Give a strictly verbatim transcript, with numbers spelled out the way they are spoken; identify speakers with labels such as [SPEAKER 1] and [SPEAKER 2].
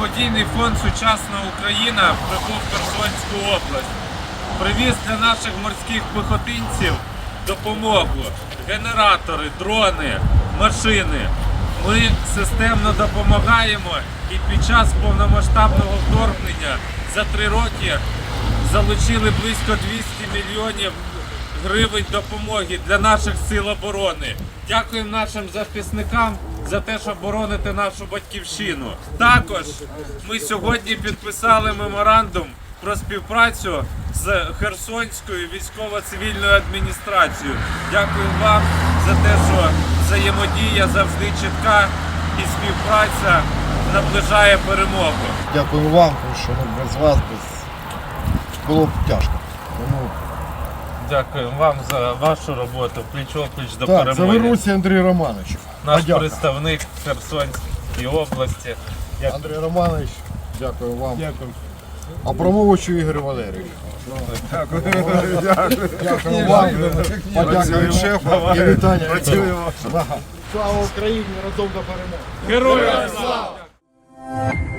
[SPEAKER 1] Благодійний фонд «Сучасна Україна» прибув в Херсонську область. Привіз для наших морських піхотинців допомогу. Генератори, дрони, машини. Ми системно допомагаємо і під час повномасштабного вторгнення за три роки залучили близько двісті мільйонів гривень допомоги для наших сил оборони. Дякуємо нашим захисникам за те, що бороните нашу батьківщину. Також ми сьогодні підписали меморандум про співпрацю з Херсонською військово-цивільною адміністрацією. Дякую вам за те, що взаємодія завжди чітка і співпраця наближає перемогу.
[SPEAKER 2] Дякую вам, тому що ну, без вас без... було б тяжко. Тому...
[SPEAKER 1] Дякую вам за вашу роботу, пліч-о-пліч до
[SPEAKER 2] Так,
[SPEAKER 1] перемоги.
[SPEAKER 2] Завернуся Андрій Романович.
[SPEAKER 1] Наш
[SPEAKER 2] Подяка.
[SPEAKER 1] представник в Херсонській області. Як...
[SPEAKER 2] Андрій Романович, дякую вам.
[SPEAKER 3] Дякую.
[SPEAKER 2] Абрамовичу Ігорю Валерійовичу.
[SPEAKER 3] Дякую. Дякую.
[SPEAKER 2] Дякую вам. Подяка від шефа і вітання. Слава Україні, разом до перемоги.
[SPEAKER 1] Героям слава!